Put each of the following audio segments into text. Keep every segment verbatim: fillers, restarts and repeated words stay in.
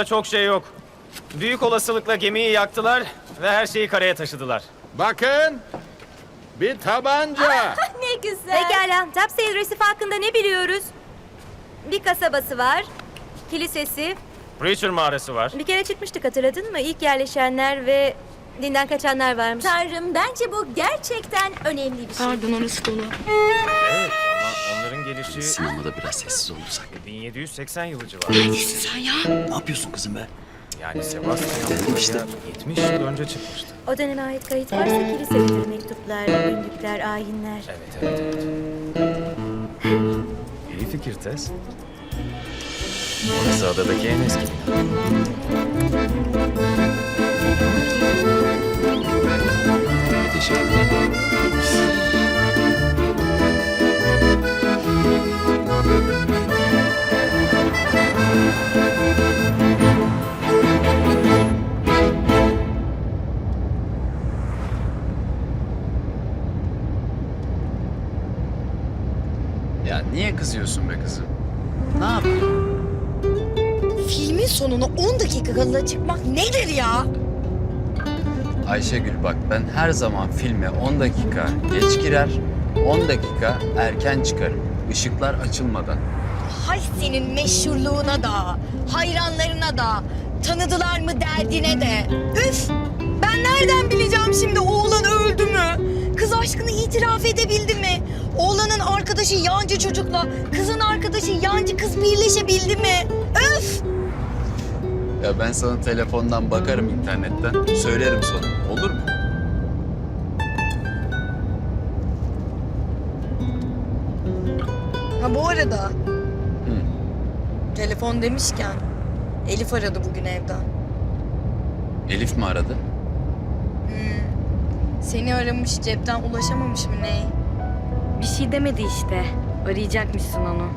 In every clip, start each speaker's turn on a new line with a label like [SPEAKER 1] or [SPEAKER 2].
[SPEAKER 1] Aklımda çok şey yok. Büyük olasılıkla gemiyi yaktılar ve her şeyi karaya taşıdılar.
[SPEAKER 2] Bakın. Bir tabanca.
[SPEAKER 3] Ne güzel.
[SPEAKER 4] Pekala, Topsail Resif hakkında ne biliyoruz? Bir kasabası var, kilisesi.
[SPEAKER 1] Preacher mağarası var.
[SPEAKER 4] Bir kere çıkmıştık, hatırladın mı? İlk yerleşenler ve dinden kaçanlar varmış.
[SPEAKER 3] Tanrım, bence bu gerçekten önemli bir şey.
[SPEAKER 5] Pardon, orası dolu.
[SPEAKER 1] Evet ama onların gelişi
[SPEAKER 6] Sinemada biraz sessiz olursak.
[SPEAKER 1] bin yedi yüz seksen yılı civarı.
[SPEAKER 5] Neredesin sen ya?
[SPEAKER 6] Ne yapıyorsun kızım be?
[SPEAKER 1] Yani Sebastian
[SPEAKER 6] Dedim işte.
[SPEAKER 1] buraya yetmiş yıl önce çıkmıştı.
[SPEAKER 4] O döneme ait kayıt varsa kilisedeki mektuplar, günlükler, ayinler.
[SPEAKER 1] Evet, evet, evet. İyi fikir Tess. Orası adadaki en eski bina.
[SPEAKER 6] Teşekkür ederim. Ya niye kızıyorsun be kızım? Ne yapayım?
[SPEAKER 5] Filmin sonuna on dakika kala çıkmak nedir ya?
[SPEAKER 6] Ayşegül bak, ben her zaman filme on dakika geç girer, on dakika erken çıkarım. Işıklar açılmadan.
[SPEAKER 5] Hay senin meşhurluğuna da, hayranlarına da, tanıdılar mı derdine de. Üf! Ben nereden bileceğim şimdi oğlan öldü mü? Kız aşkını itiraf edebildi mi? Oğlanın arkadaşı yancı çocukla kızın arkadaşı yancı kız birleşebildi mi? Üf!
[SPEAKER 6] Ya ben sana telefondan bakarım, internetten, söylerim sonra. Olur mu?
[SPEAKER 5] Ha bu arada
[SPEAKER 6] Hı.
[SPEAKER 5] telefon demişken Elif aradı bugün evden.
[SPEAKER 6] Elif mi aradı?
[SPEAKER 5] Seni aramış, cepten ulaşamamış mı ne?
[SPEAKER 7] Bir şey demedi işte. Arayacakmışsın onu.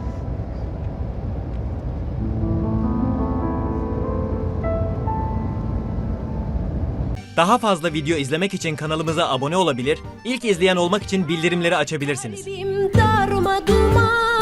[SPEAKER 8] Daha fazla video izlemek için kanalımıza abone olabilir, ilk izleyen olmak için bildirimleri açabilirsiniz.
[SPEAKER 3] Kalbim darma duman.